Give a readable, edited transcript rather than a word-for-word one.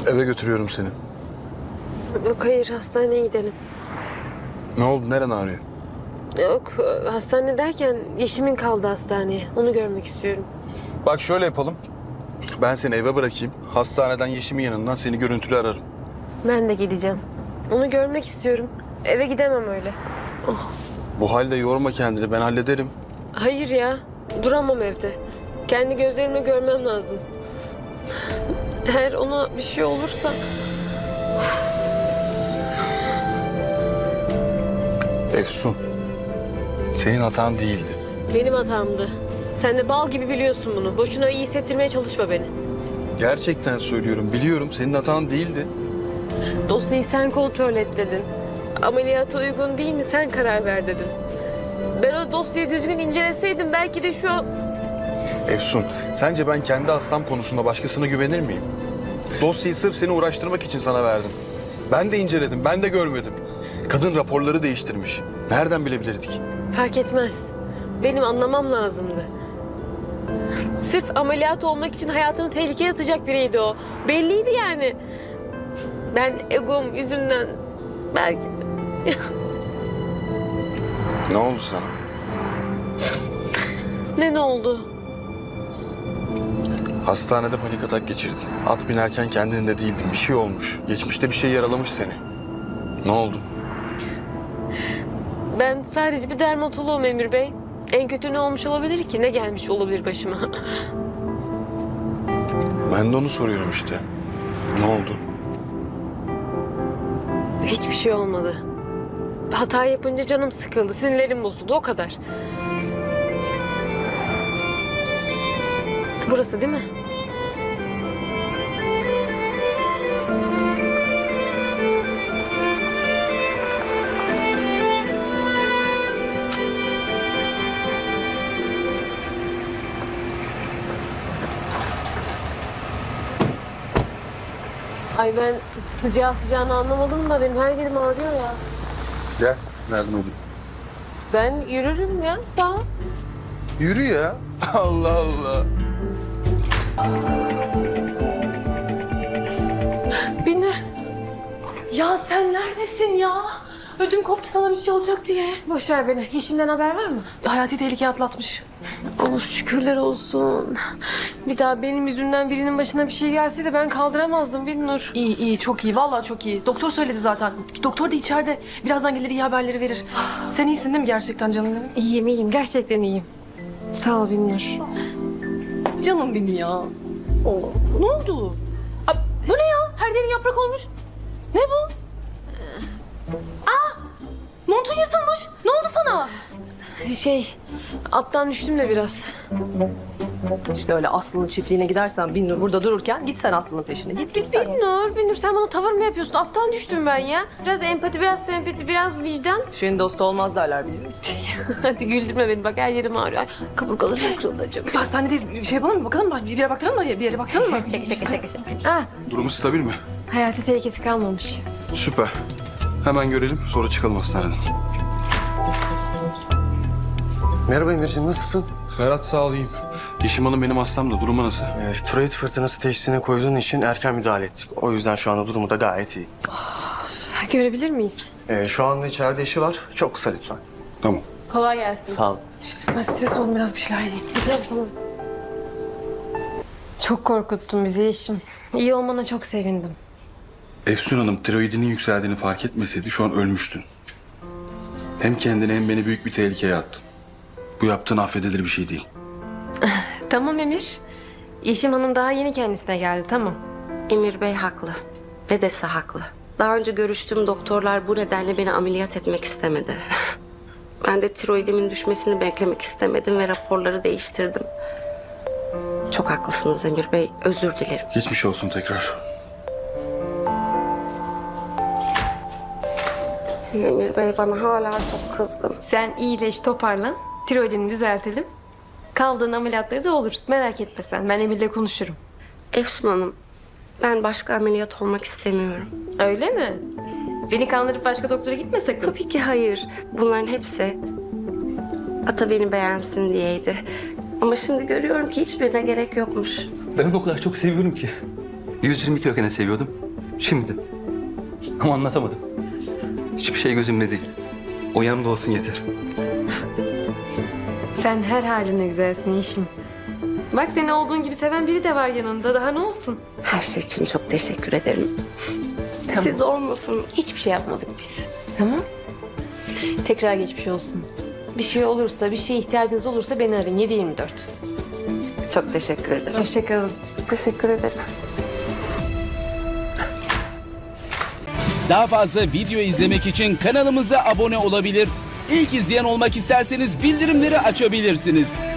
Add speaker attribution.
Speaker 1: Eve götürüyorum seni.
Speaker 2: Yok hayır, hastaneye gidelim.
Speaker 1: Ne oldu? Neren ağrıyor?
Speaker 2: Yok, hastane derken Yeşim'in kaldı hastaneye. Onu görmek istiyorum.
Speaker 1: Bak şöyle yapalım. Ben seni eve bırakayım. Hastaneden Yeşim'in yanından seni görüntülü ararım.
Speaker 2: Ben de gideceğim. Onu görmek istiyorum. Eve gidemem öyle.
Speaker 1: Bu halde yorma kendini. Ben hallederim.
Speaker 2: Hayır ya, duramam evde. Kendi gözlerimle görmem lazım. Eğer ona bir şey olursa...
Speaker 1: Efsun. Senin hatan değildi.
Speaker 2: Benim hatamdı. Sen de bal gibi biliyorsun bunu. Boşuna iyi hissettirmeye çalışma beni.
Speaker 1: Gerçekten söylüyorum. Biliyorum senin hatan değildi.
Speaker 2: Dosyayı sen kontrol et dedin. Ameliyata uygun değil mi sen karar ver dedin. Ben o dosyayı düzgün inceleseydim belki de şu an...
Speaker 1: Efsun, sence ben kendi hastam konusunda başkasına güvenir miyim? Dosyayı sırf seni uğraştırmak için sana verdim. Ben de inceledim, ben de görmedim. Kadın raporları değiştirmiş. Nereden bilebilirdik?
Speaker 2: Fark etmez. Benim anlamam lazımdı. Sırf ameliyat olmak için hayatını tehlikeye atacak biriydi o. Belliydi yani. Ben egom yüzünden belki...
Speaker 1: Ne oldu sana?
Speaker 2: Ne oldu?
Speaker 1: Hastanede panik atak geçirdin. At binerken kendinde değildin. Bir şey olmuş. Geçmişte bir şey yaralamış seni. Ne oldu?
Speaker 2: Ben sadece bir dermatoloğum Emir Bey. En kötü ne olmuş olabilir ki? Ne gelmiş olabilir başıma?
Speaker 1: Ben de onu soruyorum işte. Ne oldu?
Speaker 2: Hiçbir şey olmadı. Hata yapınca canım sıkıldı, sinirlerim bozuldu, o kadar. Burası değil mi? Ay ben sıcağını anlamadım da benim her yerim ağrıyor ya.
Speaker 1: Gel. Nereden olayım?
Speaker 2: Ben yürürüm ya, sağ ol.
Speaker 1: Yürü ya. Allah Allah.
Speaker 2: Binur.
Speaker 3: Ya sen neredesin ya? Ödüm koptu sana bir şey olacak diye.
Speaker 2: Boş ver beni. Yeşim'den haber var mı?
Speaker 3: Hayati tehlike atlatmış.
Speaker 2: Oh şükürler olsun. Bir daha benim yüzümden birinin başına bir şey gelseydi ben kaldıramazdım Binnur.
Speaker 3: İyi iyi çok iyi vallahi çok iyi. Doktor söyledi zaten. Doktor da içeride. Birazdan gelir iyi haberleri verir. Sen iyisin değil mi gerçekten canım benim?
Speaker 2: İyiyim. Gerçekten iyiyim. Sağ ol Binnur.
Speaker 3: Canım benim ya. Ne oldu? Aa, bu ne ya? Her yerin yaprak olmuş. Ne bu? Montun yırtılmış. Ne oldu sana?
Speaker 2: Attan düştüm de biraz.
Speaker 3: İşte öyle Aslı'nın çiftliğine gidersen Binnur burada dururken git sen Aslı'nın peşine. Git sen.
Speaker 2: Binnur sen bana tavır mı yapıyorsun? Attan düştüm ben ya. Biraz empati, biraz sempati, biraz vicdan.
Speaker 3: Düşenin dostu olmaz derler bilir misin?
Speaker 2: Hadi güldürme beni bak her yerim ağrıyor. Ay, kaburgalarım kırıldı acaba.
Speaker 3: Hastanedeyiz. Bir şey yapalım mı? Bakalım mı? Bir yere baktıralım mı? Bir yere baktıralım mı?
Speaker 2: Ah,
Speaker 1: Durumu stabil mi?
Speaker 2: hayati tehlikesi kalmamış.
Speaker 1: Süper. Hemen görelim, sonra çıkalım hastaneden.
Speaker 4: Merhaba Emirciğim, nasılsın?
Speaker 1: Ferhat sağ olayım. Yeşim Hanım benim hastam da. Durumu nasıl?
Speaker 4: Tiroid fırtınası teşhisine koyduğun için erken müdahale ettik. O yüzden şu anda durumu da gayet iyi.
Speaker 2: Görebilir miyiz?
Speaker 4: Şu anda içeride işi var. Çok kısa lütfen.
Speaker 1: Tamam.
Speaker 2: Kolay gelsin.
Speaker 4: Sağ ol.
Speaker 3: Ben stres oldum biraz bir şeyler yiyeyim.
Speaker 2: Tamam. Çok korkuttun bizi Yeşim. İyi olmana çok sevindim.
Speaker 1: Efsun Hanım tiroidinin yükseldiğini fark etmeseydi şu an ölmüştün. Hem kendini hem beni büyük bir tehlikeye attın. Bu yaptığın affedilir bir şey değil.
Speaker 2: Tamam Emir. Yeşim Hanım daha yeni kendisine geldi, tamam.
Speaker 5: Emir Bey haklı. Dedesi haklı. Daha önce görüştüğüm doktorlar bu nedenle beni ameliyat etmek istemedi. Ben de tiroidimin düşmesini beklemek istemedim ve raporları değiştirdim. Çok haklısınız Emir Bey. Özür dilerim.
Speaker 1: Geçmiş olsun tekrar.
Speaker 5: Emir Bey bana hala çok kızgın.
Speaker 2: Sen iyileş, toparlan. Tiroidini düzeltelim. Kaldığın ameliyatları da oluruz. Merak etme sen. Ben Emir'le konuşurum.
Speaker 5: Efsun Hanım, ben başka ameliyat olmak istemiyorum.
Speaker 2: Öyle mi? Beni kandırıp başka doktora gitme sakın.
Speaker 5: Tabii ki hayır. Bunların hepsi Ata beni beğensin diyeydi. Ama şimdi görüyorum ki hiçbirine gerek yokmuş.
Speaker 4: Ben o kadar çok seviyorum ki.
Speaker 6: 120 kiloken seviyordum. Şimdi. Ama anlatamadım. Hiçbir şey gözümde değil. O yanımda olsun yeter.
Speaker 2: Sen her haline güzelsin Yeşim. Bak seni olduğun gibi seven biri de var yanında. Daha ne olsun?
Speaker 5: Her şey için çok teşekkür ederim.
Speaker 2: Tamam.
Speaker 5: Siz olmasanız
Speaker 2: Hiçbir şey yapmadık biz. Tamam. Tekrar geçmiş olsun. Bir şey olursa, bir şeye ihtiyacınız olursa beni arayın. 7/24.
Speaker 5: çok teşekkür ederim.
Speaker 2: Hoşçakalın.
Speaker 5: Teşekkür ederim.
Speaker 7: Daha fazla video izlemek için kanalımıza abone olabilir. İlk izleyen olmak isterseniz bildirimleri açabilirsiniz.